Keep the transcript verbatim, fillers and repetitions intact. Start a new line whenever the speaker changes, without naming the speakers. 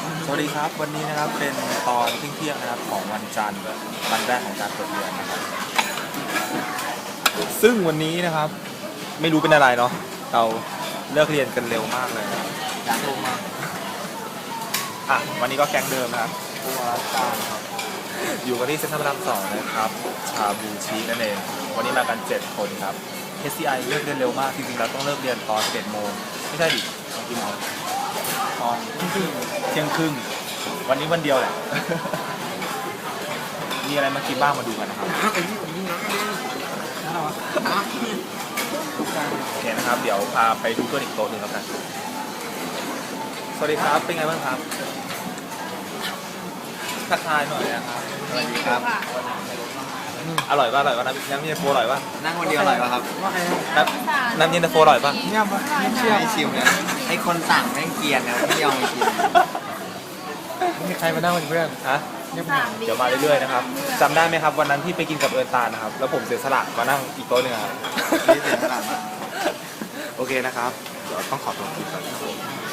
สวัสดีครับวันนี้นะครับเป็นตอนเที่ยงๆนะครับของวันจันทร์วันแรกของการเปิดเรียนนะครับซึ่งวันนี้นะครับไม่รู้เป็นอะไรเนาะเราเลิกเรียนกันเร็วมากเลยอยากลงมาอ่ะวันนี้ก็แก๊งเดิมนะครับผู้ว่าการครับอยู่กันที่เซ็นทรัลพระรามสองนะครับชาบูชีนั่นเองวันนี้มากันเจ็ดคนครับ เอส ซี ไอ เลิกเรียนเร็วมากจริงๆเราต้องเลิกเรียนตอนสิบเอ็ดโมงไม่ใช่ดิตอนกี่โมงตอนเที่ยงครึ่งวันนี้วันเดียวแหละ มีอะไรมากินบ้างมาดูกันนะครับโอเคนะครับเดี๋ยวพาไปดูเพื่อนอีกโต๊ะหนึ่งแล้วกันสวัสดีครับเป็นไงบ้างครับทักทายหน่อยนะครับสวัสดีครับอร่อยป่ะอร่อยป่ะน้ำน้ำเย็นตาโฟอร่อยป่ะ
นั่งคนเดียวอร่อยป่ะครับ
น้ำน้ำเย็นตาโฟอร่อยป่ะ
เนี่ยไม่เชื่อไม่ชิมนะให้คนสั่งแม่งเกลียนนะไม่ยอมมากิน
มีใครมานั่งเป็นเพื่อน
ฮะเดี๋ยวมาเรื่อยๆนะครับจำได้ไหมครับวันนั้นที่ไปกินกับเอิญตาลนะครับแล้วผมเสียสละมานั่งอีกโต๊ะหนึงครับ
นี่เสียขนาดนั้น
โอเคนะครับเดี๋ยวต้องขอตัวกินก่อนครับผม